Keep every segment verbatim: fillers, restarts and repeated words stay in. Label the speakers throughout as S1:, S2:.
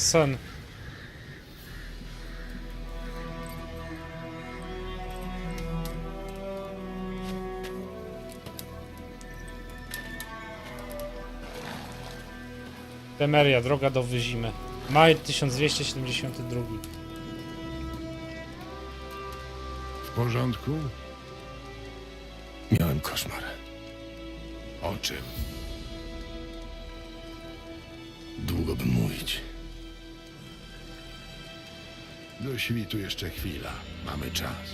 S1: sen. Temeria, droga do Wyzimy. Maj tysiąc dwieście siedemdziesiąty drugi.
S2: W porządku?
S3: Miałem koszmar.
S2: O czym?
S3: Długo bym mówić.
S2: Do świtu jeszcze chwila. Mamy czas.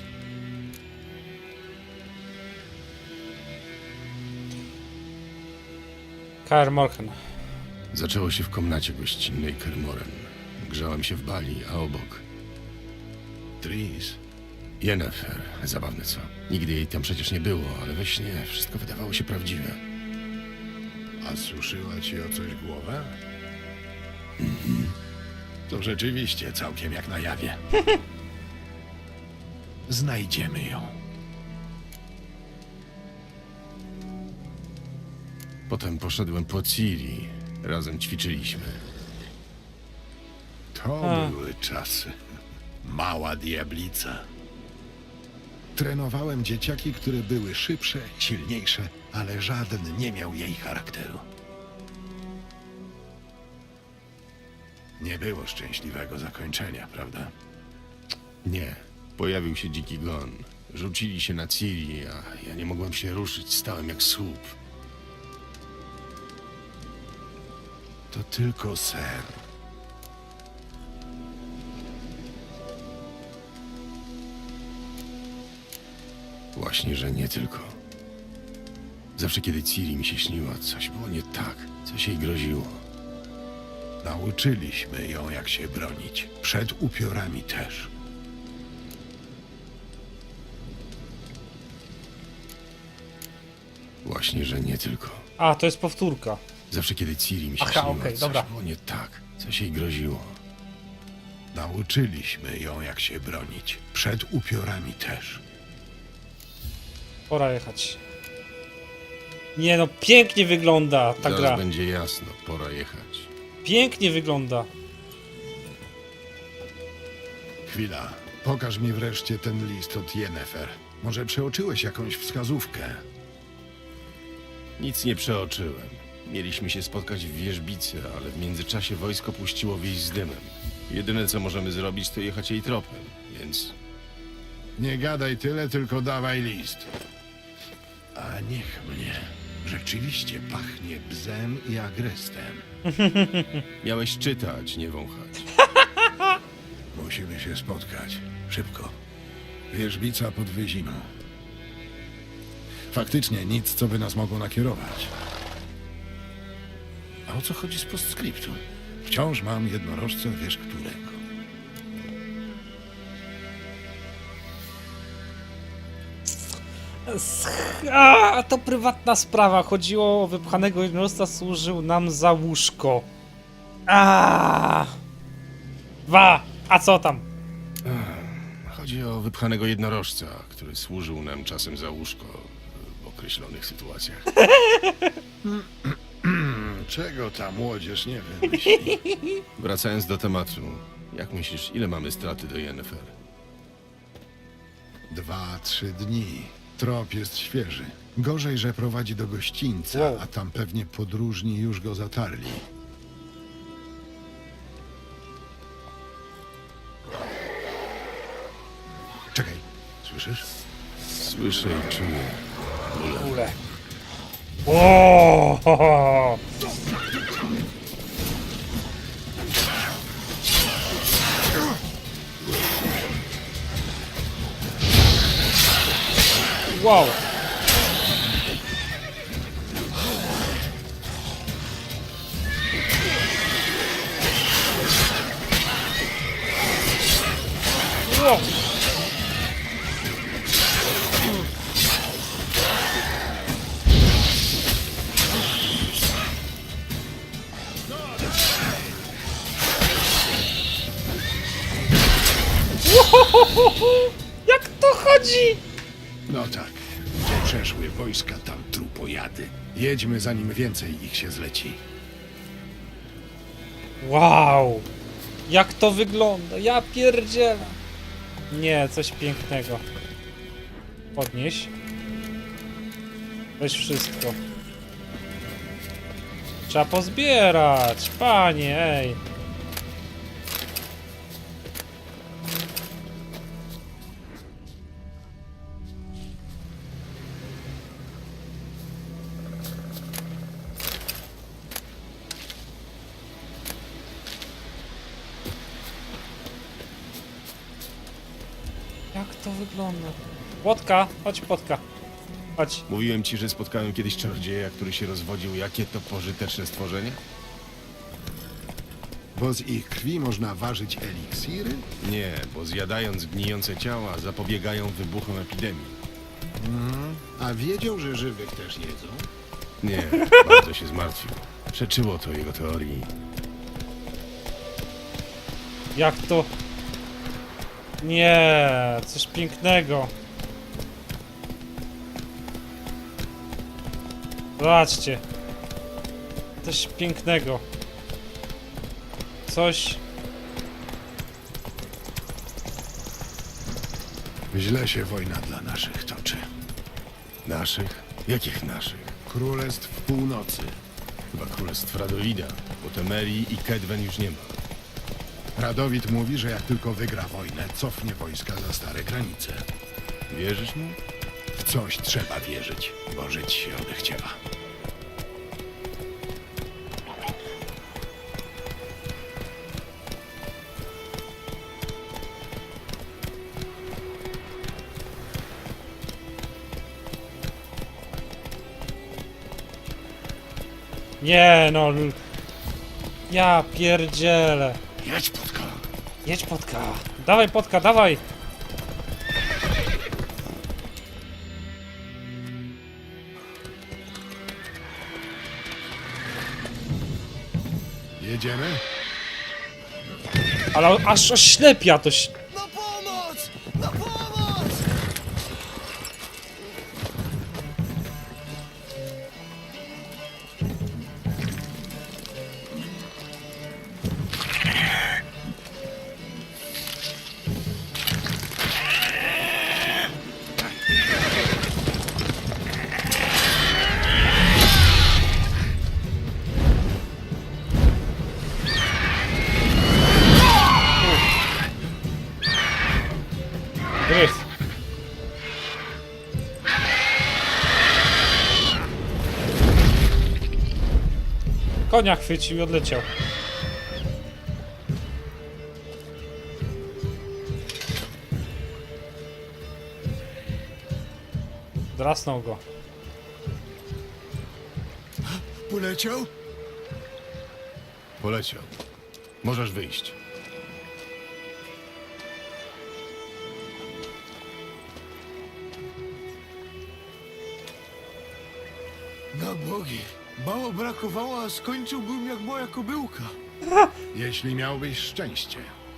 S1: Kaer Morhen.
S3: Zaczęło się w komnacie gościnnej Kermoren. Grzałem się w bali, a obok
S2: Tris,
S3: Yennefer. Zabawne co? Nigdy jej tam przecież nie było, ale we śnie wszystko wydawało się prawdziwe.
S2: a suszyła ci o coś głowę? To rzeczywiście całkiem jak na jawie. Znajdziemy ją.
S3: Potem poszedłem po Ciri. Razem ćwiczyliśmy.
S2: To
S1: A.
S2: były czasy. Mała diablica. Trenowałem dzieciaki, które były szybsze, silniejsze, ale żaden nie miał jej charakteru. Nie było szczęśliwego zakończenia, prawda?
S3: Nie. Pojawił się dziki gon. Rzucili się na Ciri, a ja nie mogłem się ruszyć. Stałem jak słup.
S2: To tylko sen.
S3: Właśnie, że nie tylko. Zawsze kiedy Ciri mi się śniła, coś było nie tak. Coś jej groziło.
S2: Nauczyliśmy ją, jak się bronić. Przed upiorami też.
S3: Właśnie, że nie tylko.
S1: A, to jest powtórka.
S3: Zawsze kiedy Ciri mi się
S1: Aha,
S3: śniła,
S1: okej,
S3: coś
S1: dobra.
S3: było nie tak. Coś jej groziło.
S2: Nauczyliśmy ją, jak się bronić. Przed upiorami też.
S1: Pora jechać. Nie no, pięknie wygląda ta
S3: Zaraz
S1: gra.
S3: będzie jasno, pora jechać.
S1: Pięknie wygląda.
S2: Chwila. Pokaż mi wreszcie ten list od Yennefer. Może przeoczyłeś jakąś wskazówkę?
S3: Nic nie przeoczyłem. Mieliśmy się spotkać w wierzbicy, ale w międzyczasie wojsko puściło wieś z dymem. Jedyne co możemy zrobić, to jechać jej tropem, więc
S2: Nie gadaj tyle, tylko dawaj list. A niech mnie. Rzeczywiście pachnie bzem i agrestem.
S3: miałeś czytać, nie wąchać.
S2: Musimy się spotkać. Szybko. Wierzbica pod Wyzimą. Faktycznie nic, co by nas mogło nakierować. A o co chodzi z postscriptum? Wciąż mam jednorożce, wiesz którego.
S1: A, to prywatna sprawa. Chodziło o wypchanego jednorożca, służył nam za łóżko. A. Dwa. A co tam?
S3: Chodzi o wypchanego jednorożca, który służył nam czasem za łóżko w określonych sytuacjach.
S2: Czego ta młodzież nie wymyśli?
S3: Wracając do tematu, jak myślisz, ile mamy straty do Yennefer?
S2: Dwa, trzy dni. Trop jest świeży. Gorzej, że prowadzi do gościńca,
S1: Wow.
S2: a tam pewnie podróżni już go zatarli. Czekaj, słyszysz?
S3: Słyszę i czuję.
S1: Ule. O! ho, ho. Wow. Wow. Jak to chodzi?
S2: No tak, gdzie przeszły wojska, tam trupojady. Jedźmy, zanim więcej ich się zleci.
S1: Wow. Jak to wygląda? Ja pierdzielę. Nie, coś pięknego. Podnieś. Weź wszystko. Trzeba pozbierać, panie, ej. Jak to wygląda? Płotka, chodź płotka. Chodź.
S3: Mówiłem ci, że spotkałem kiedyś czarodzieja, który się rozwodził. Jakie to pożyteczne stworzenie?
S2: Bo z ich krwi można ważyć eliksiry?
S3: Nie, bo zjadając gnijące ciała zapobiegają wybuchom epidemii.
S2: A wiedział, że żywych też jedzą?
S3: Nie, bardzo się zmartwił. Przeczyło to jego teorii.
S1: Jak to? Nie, coś pięknego. Zobaczcie. Coś pięknego. Coś.
S2: Źle się wojna dla naszych toczy.
S3: Naszych? Jakich naszych?
S2: Królestw Północy.
S3: Chyba królestw Radowida, bo Temerii i Kedwen już nie ma.
S2: Radowid mówi, że jak tylko wygra wojnę, cofnie wojska za stare granice.
S3: Wierzysz mu?
S2: W coś trzeba wierzyć, bo żyć się odechciewa.
S1: Nie no. l- Ja pierdzielę.
S2: Jedź, Płotka!
S1: Jedź potka. Dawaj potka, dawaj.
S2: Jedziemy?
S1: Ale aż oślepia to ś...
S4: Na pomoc! Na pomoc!
S1: Gryz. Konia chwycił i odleciał. Drasnął go.
S2: Poleciał?
S3: Poleciał. Możesz wyjść.
S4: Na bogi! Mało brakowało, a skończyłbym jak moja kobyłka.
S2: Jeśli miałbyś szczęście.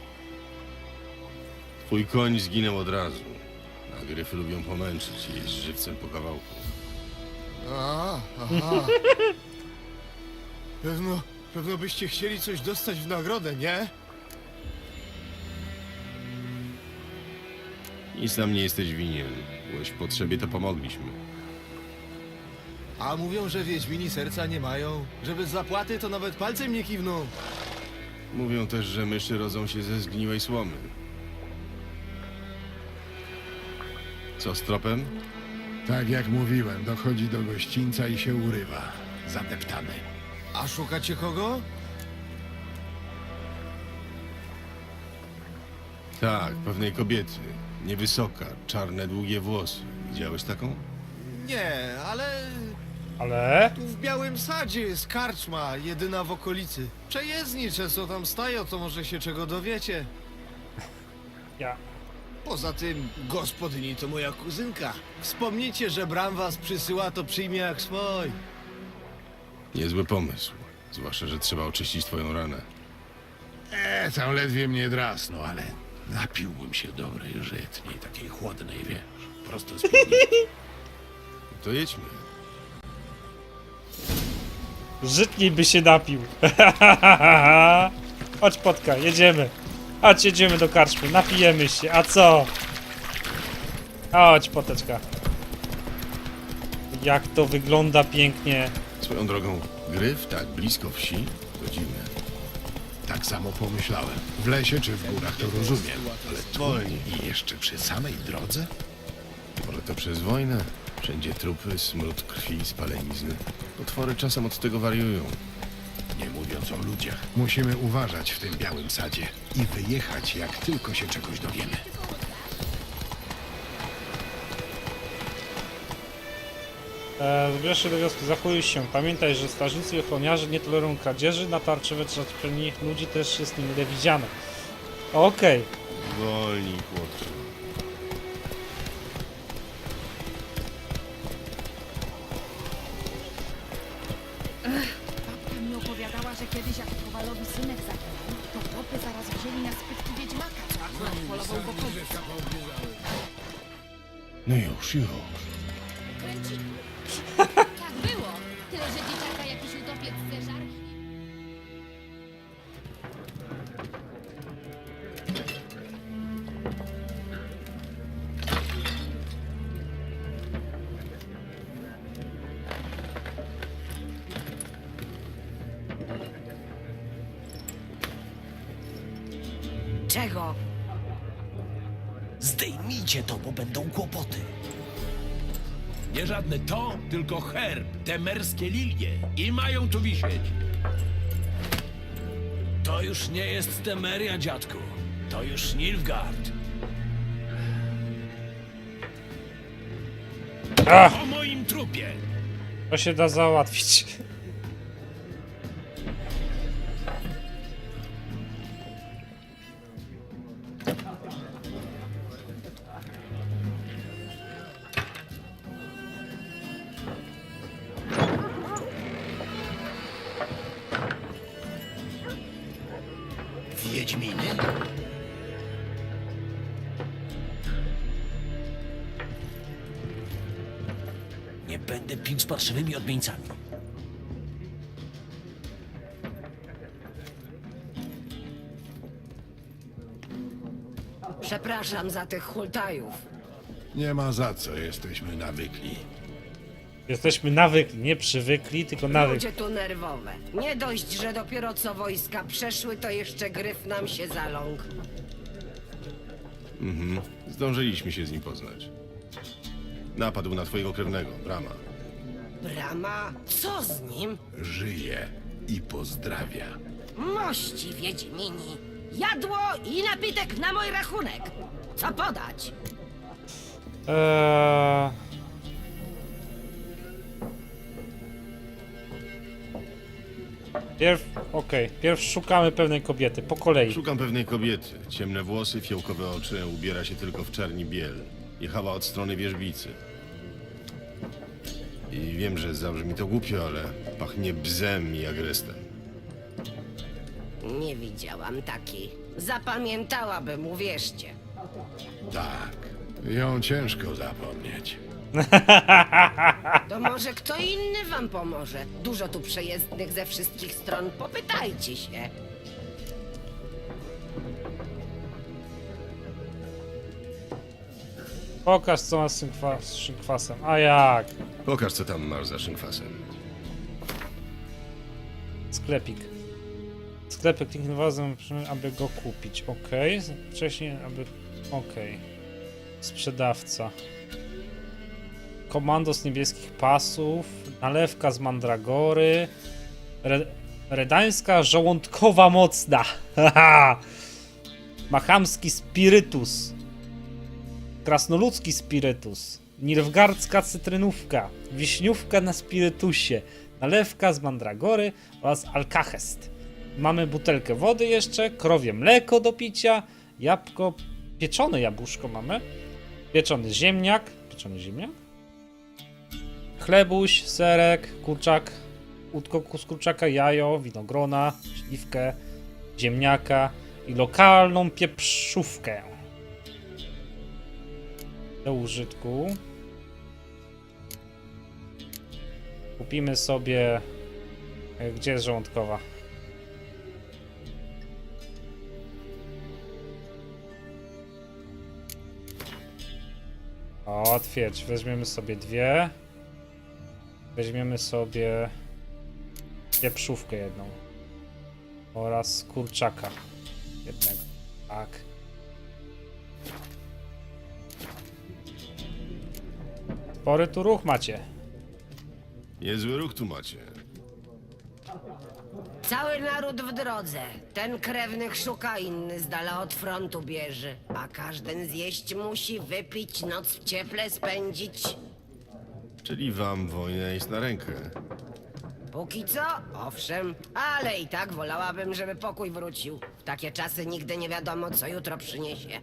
S3: Twój koń zginął od razu. A gryfy lubią pomęczyć i jeść żywcem po kawałku.
S4: A, aha. Pewno, pewno byście chcieli coś dostać w nagrodę, nie?
S3: Nic nam nie jesteś winien. Byłeś w potrzebie, to pomogliśmy.
S4: A mówią, że wiedźmini serca nie mają. Że bez zapłaty to nawet palcem nie kiwną.
S3: Mówią też, że myszy rodzą się ze zgniłej słomy. Co z tropem?
S2: Tak jak mówiłem, dochodzi do gościńca i się urywa. Zadeptany.
S4: A szukacie kogo?
S3: Tak, pewnej kobiety. Niewysoka, czarne, długie włosy. Widziałeś taką?
S4: Nie, ale
S1: Ale...
S4: tu w Białym Sadzie jest karczma, jedyna w okolicy. Przejezdni często tam stają, to może się czego dowiecie.
S1: Ja...
S4: Poza tym, gospodyni to moja kuzynka. Wspomnijcie, że Bram was przysyła, to przyjmie jak swój.
S3: Niezły pomysł. Zwłaszcza, że trzeba oczyścić twoją ranę.
S2: E, tam ledwie mnie drasnął, ale napiłbym się dobrej żytniej, takiej chłodnej, wiesz, prosto z piwnicy.
S3: To jedźmy.
S1: Żytniej by się napił. Chodź Potka, jedziemy. Chodź, jedziemy do karczmy, napijemy się, a co? Chodź Poteczka. Jak to wygląda pięknie.
S3: Swoją drogą, gryf tak blisko wsi? To dziwne.
S2: Tak samo pomyślałem. W lesie czy w górach to rozumiem, ale
S3: Wolniej.
S2: tu i jeszcze przy samej drodze?
S3: Może to przez wojnę? Wszędzie trupy, smród krwi, spalenizny. Potwory czasem od tego wariują.
S2: Nie mówiąc o ludziach. Musimy uważać w tym białym sadzie i wyjechać, jak tylko się czegoś dowiemy.
S1: E, Zbierz się do wioski, zachuj się. Pamiętaj, że strażnicy i ochroniarze nie tolerują kradzieży, na tarczywe czerni ludzi też jest niemile widziane. Okej.
S3: Wolniej, chłopcze.
S5: Babka mi opowiadała, że kiedyś jak Kowalowi synek zaginął, to chłopy zaraz wzięli na spytki wiedźmaka, co akurat polował go kobiet.
S3: No już, już.
S5: Kręci. Tak było. Tyle, że dzieciaka jakiś utopiec zeżar.
S6: Czego?
S7: Zdejmijcie to, bo będą kłopoty.
S8: Nie żadne to, tylko herb, te merskie lilie. I mają tu wisieć. To już nie jest Temeria, dziadku. To już Nilfgaard.
S1: Ach,
S8: Po moim trupie.
S1: to się da załatwić.
S7: Wiedźminy? Nie będę pił z parszywymi odmieńcami.
S6: Przepraszam za tych hultajów.
S2: Nie ma za co, jesteśmy nawykli.
S1: Jesteśmy nawykli, nie przywykli, tylko nawykli.
S6: Ludzie tu nerwowe. Nie dość, że dopiero co wojska przeszły, to jeszcze gryf nam się zaląkł.
S3: Mhm. Zdążyliśmy się z nim poznać. Napadł na twojego krewnego, Brama.
S6: Brama, co z nim?
S2: Żyje i pozdrawia.
S6: Mości wiedźmini. Jadło i napitek na mój rachunek. Co podać?
S1: Eee... Pierw, okej, pierw szukamy pewnej kobiety, po kolei.
S3: Szukam pewnej kobiety. Ciemne włosy, fiołkowe oczy, ubiera się tylko w czerni biel. Jechała od strony wierzbicy. I wiem, że zabrzmi to głupio, ale pachnie bzem i agrestem.
S6: Nie widziałam takiej. Zapamiętałabym, uwierzcie.
S2: Tak, ją ciężko zapomnieć.
S6: To może kto inny wam pomoże? Dużo tu przejezdnych ze wszystkich stron. Popytajcie się.
S1: Pokaż co ma z szynkwa- z szynkwasem. A jak?
S3: Pokaż, co tam masz za szynkwasem.
S1: Sklepik. Sklepy kliknij wazem, aby go kupić. Ok. Wcześniej, aby... Ok. Sprzedawca. Komandos niebieskich pasów. Nalewka z mandragory. Re redańska żołądkowa mocna. Haha. Machamski spirytus. Krasnoludzki spirytus. Nilfgaardzka cytrynówka. Wiśniówka na spirytusie. Nalewka z mandragory oraz alkahest. Mamy butelkę wody jeszcze, krowie mleko do picia, jabłko, pieczone jabłuszko mamy, pieczony ziemniak, pieczony ziemniak, chlebuś, serek, kurczak, łódko z kurczaka, jajo, winogrona, śliwkę, ziemniaka i lokalną pieprzówkę. Do użytku. Kupimy sobie... Gdzie jest żołądkowa? O, twierdź. Weźmiemy sobie dwie. Weźmiemy sobie pieprzówkę jedną. Oraz kurczaka jednego. Tak. Spory tu ruch macie.
S3: Niezły ruch tu macie.
S6: Cały naród w drodze. Ten krewnych szuka, inny z dala od frontu bierze. A każdy zjeść musi, wypić, noc w cieple spędzić.
S3: Czyli wam wojna jest na rękę.
S6: Póki co, owszem, ale i tak wolałabym, żeby pokój wrócił. W takie czasy nigdy nie wiadomo, co jutro przyniesie.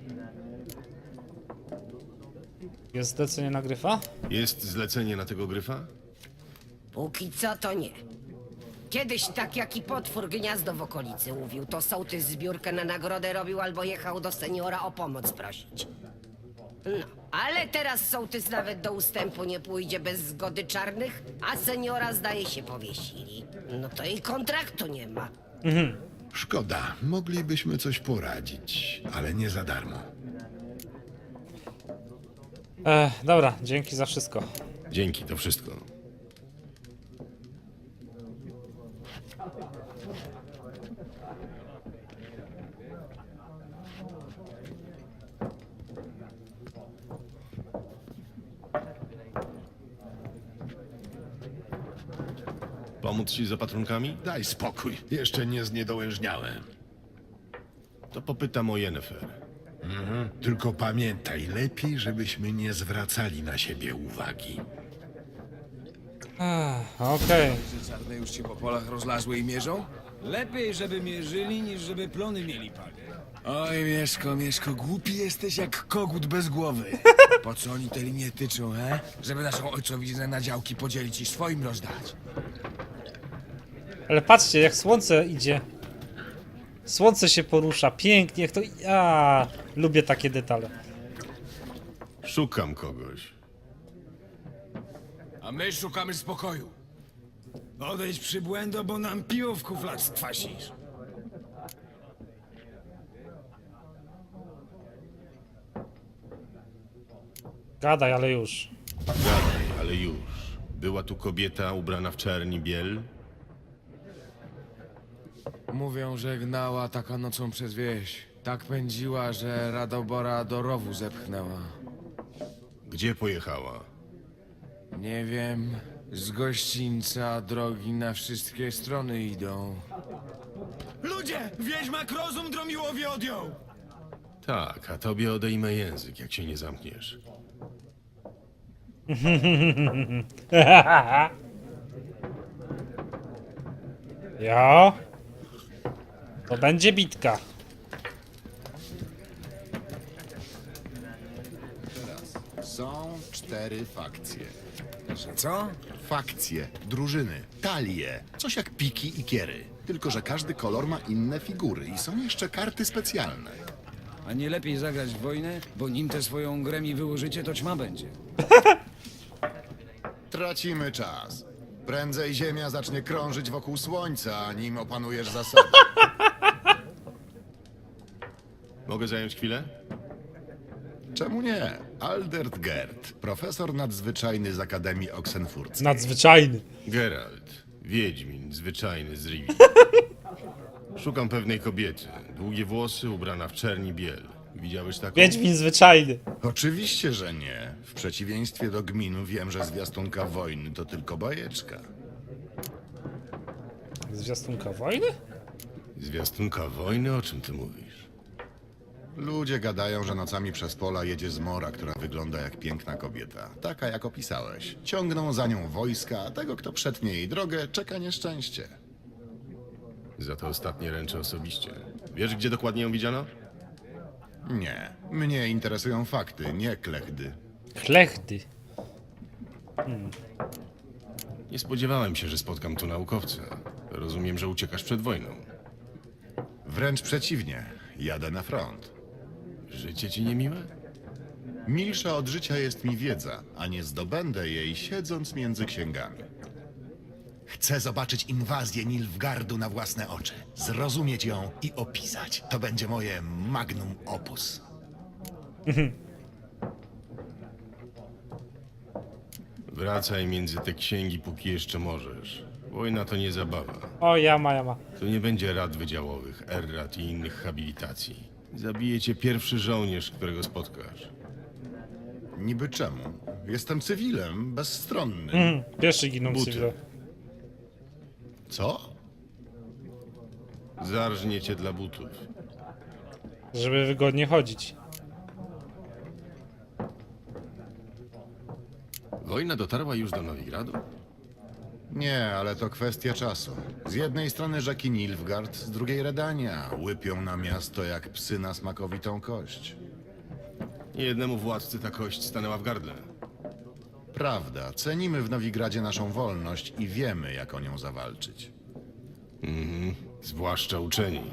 S1: Jest zlecenie na gryfa?
S3: Jest zlecenie na tego gryfa?
S6: Póki co to nie. Kiedyś tak jak i potwór gniazdo w okolicy mówił, to sołtys zbiórkę na nagrodę robił albo jechał do seniora o pomoc prosić. No, ale teraz sołtys nawet do ustępu nie pójdzie bez zgody czarnych, a seniora zdaje się powiesili. No to i kontraktu nie ma.
S2: Szkoda, moglibyśmy coś poradzić, ale nie za darmo.
S1: E, dobra, dzięki za wszystko.
S3: Dzięki, to wszystko. Pomóc ci z opatrunkami?
S2: Daj spokój, jeszcze nie zniedołężniałem.
S3: To popytam o Yennefer.
S2: Tylko pamiętaj, lepiej, żebyśmy nie zwracali na siebie uwagi.
S1: Ech, Okej.
S9: Że czarne już się po polach rozlazły i mierzą? Lepiej, żeby mierzyli, niż żeby plony mieli, panie. Oj, Mieszko, Mieszko, głupi jesteś jak kogut bez głowy. Po co oni te linie tyczą, he? Żeby naszą ojcowiznę na działki podzielić i swoim rozdać.
S1: Ale patrzcie, jak słońce idzie. Słońce się porusza, pięknie, jak to... A, lubię takie detale.
S3: Szukam kogoś.
S9: A my szukamy spokoju. Odejdź przybłędo, bo nam piwo w kuflach skwasisz.
S1: Gadaj, ale już.
S3: Gadaj, ale już. Była tu kobieta ubrana w czerni biel?
S9: Mówią, że gnała taka nocą przez wieś. Tak pędziła, że Radobora do rowu zepchnęła.
S3: Gdzie pojechała?
S9: Nie wiem, z gościńca drogi na wszystkie strony idą. Ludzie! Wiedźmak rozum Dromiłowi odjął!
S3: Tak, a tobie odejmę język, jak się nie zamkniesz.
S1: Jo. To będzie bitka.
S10: Są cztery fakcje.
S9: Że co?
S10: Fakcje, drużyny, talie, coś jak piki i kiery. Tylko że każdy kolor ma inne figury i są jeszcze karty specjalne.
S9: A nie lepiej zagrać w wojnę, bo nim tę swoją grę mi wyłożycie, to ćma będzie.
S10: Tracimy czas. Prędzej Ziemia zacznie krążyć wokół Słońca, nim opanujesz zasady.
S3: Mogę zająć chwilę?
S10: Czemu nie? Aldert Gerd, profesor nadzwyczajny z Akademii Oxenfurckiej.
S1: Nadzwyczajny.
S3: Geralt, wiedźmin, zwyczajny z Rivii. Szukam pewnej kobiety. Długie włosy, ubrana w czerni biel. Widziałeś taką?
S1: Wiedźmin zwyczajny.
S10: Oczywiście, że nie. W przeciwieństwie do gminu wiem, że zwiastunka wojny to tylko bajeczka.
S1: Zwiastunka wojny?
S3: Zwiastunka wojny? O czym ty mówisz?
S10: Ludzie gadają, że nocami przez pola jedzie zmora, która wygląda jak piękna kobieta. Taka, jak opisałeś. Ciągną za nią wojska, a tego, kto przetnie jej drogę, czeka nieszczęście.
S3: Za to ostatnie ręczę osobiście. Wiesz, gdzie dokładnie ją widziano?
S10: Nie. Mnie interesują fakty, nie klechdy.
S1: Chlechdy.
S3: Nie spodziewałem się, że spotkam tu naukowca. Rozumiem, że uciekasz przed wojną.
S10: Wręcz przeciwnie. Jadę na front.
S3: Życie ci niemiłe?
S10: Milsza od życia jest mi wiedza, a nie zdobędę jej siedząc między księgami. Chcę zobaczyć inwazję Nilfgaardu na własne oczy, zrozumieć ją i opisać. To będzie moje magnum opus.
S3: Wracaj między te księgi, póki jeszcze możesz. Wojna to nie zabawa.
S1: O, jama, jama.
S3: Tu nie będzie rad wydziałowych, errat i innych habilitacji. Zabije cię pierwszy żołnierz, którego spotkasz.
S10: Niby czemu? Jestem cywilem, bezstronnym.
S1: Mm, pierwszy giną
S3: Buty.
S1: cywile.
S10: Co?
S3: Zarżnie cię dla butów.
S1: Żeby wygodnie chodzić.
S3: Wojna dotarła już do Nowigradu?
S10: Nie, ale to kwestia czasu. Z jednej strony rzeki Nilfgaard, z drugiej Redania. Łypią na miasto jak psy na smakowitą kość.
S3: Jednemu władcy ta kość stanęła w gardle.
S10: Prawda, cenimy w Nowigradzie naszą wolność i wiemy, jak o nią zawalczyć.
S3: Mhm. Zwłaszcza uczeni.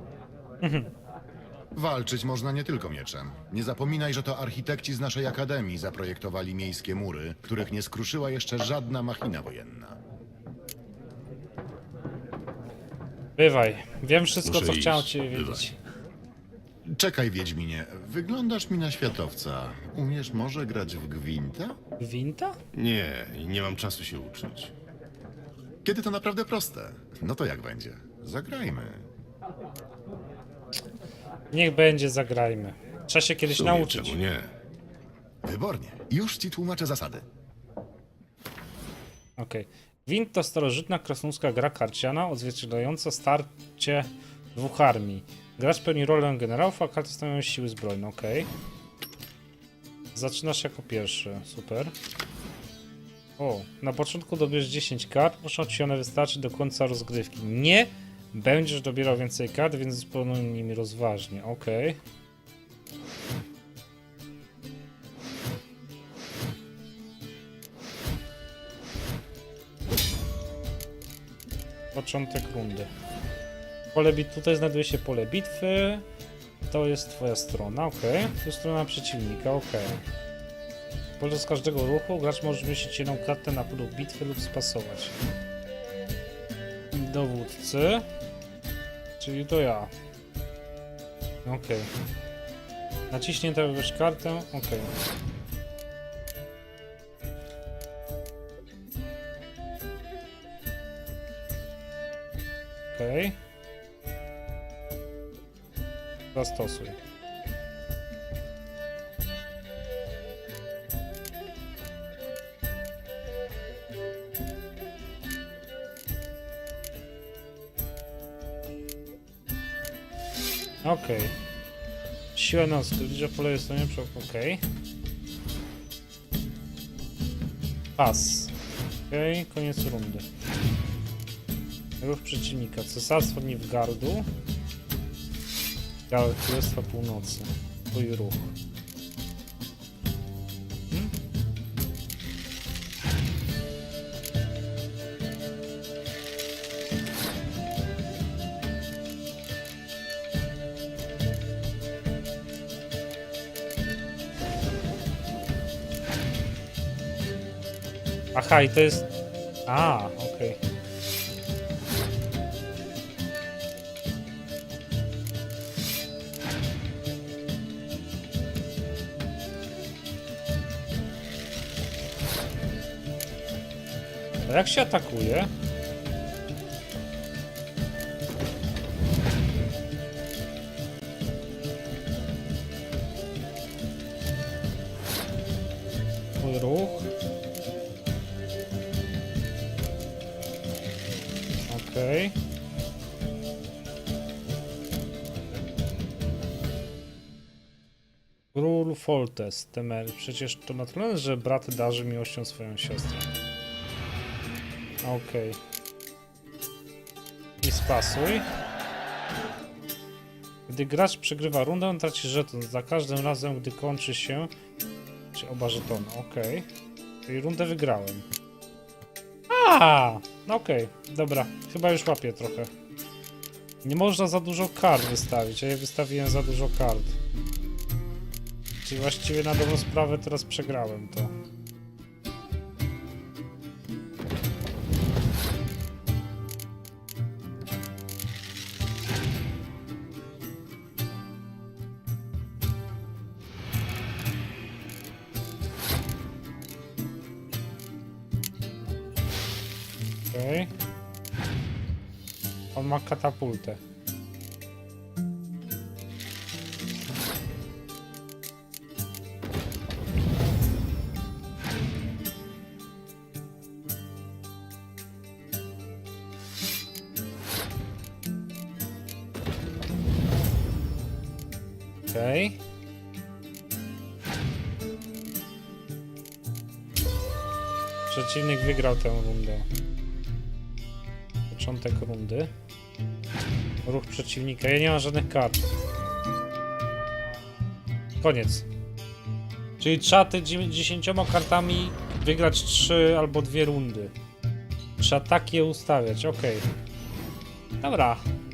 S10: Walczyć można nie tylko mieczem. Nie zapominaj, że to architekci z naszej akademii zaprojektowali miejskie mury, których nie skruszyła jeszcze żadna machina wojenna.
S1: Bywaj. Wiem wszystko,
S3: Muszę
S1: co
S3: iść.
S1: chciałem cię
S3: Bywaj.
S1: wiedzieć.
S10: Czekaj, Wiedźminie, wyglądasz mi na światowca. Umiesz może grać w gwinta?
S1: Winta?
S3: Nie, i nie mam czasu się uczyć.
S10: Kiedy to naprawdę proste. No to jak będzie? Zagrajmy.
S1: Niech będzie, zagrajmy. Trzeba się
S3: W
S1: kiedyś
S3: sumie,
S1: nauczyć.
S3: czemu nie?
S10: Wybornie. Już ci tłumaczę zasady.
S1: Okej. Gwint to starożytna krasnoludzka gra karciana odzwierciedlająca starcie dwóch armii. Gracz pełni rolę generałów, a karty stanowią siły zbrojne. Okej. Zaczynasz jako pierwszy. Super. O, na początku dobierz dziesięć kart. Muszą ci one wystarczyć do końca rozgrywki. Nie będziesz dobierał więcej kart, więc dysponuj nimi rozważnie. Okej. Początek rundy. Pole bit tutaj znajduje się pole bitwy. To jest twoja strona, ok. To jest strona przeciwnika, ok. Podczas każdego ruchu gracz może zmieścić jedną kartę na polu bitwy lub spasować. Dowódcy. Czyli to ja. Ok. Naciśnięta wybrać kartę, ok. Okej. Zastosuj. Okej. Siła noc, liczba pole jest to nie przy... Okej. Pas. Okej, koniec rundy. Ruch przeciwnika. Cesarstwo Nilfgaardu. Królestwa Północy. Twój ruch. Hmm? Aha, i to jest... A, okej. Okay. A jak się atakuje? Mój ruch. Okej. Okay. Król Foltest, Temery. Przecież to naturalne, że brat darzy miłością swoją siostrę. Okej. Okay. I spasuj. Gdy gracz przegrywa rundę, traci żeton. Za każdym razem, gdy kończy się... Czy oba żetony, okej. Okay. Czyli rundę wygrałem. A, okej, okay. Dobra. Chyba już łapię trochę. Nie można za dużo kart wystawić, a ja wystawiłem za dużo kart. Czyli właściwie na dobrą sprawę teraz przegrałem to. Okej. On ma katapultę. Okej. Przeciwnik wygrał tę rundę. Początek rundy. Ruch przeciwnika. Ja nie mam żadnych kart. Koniec. Czyli trzeba ty dziesięcioma kartami wygrać trzy albo dwie rundy. Trzeba tak je ustawiać, okej. Dobra.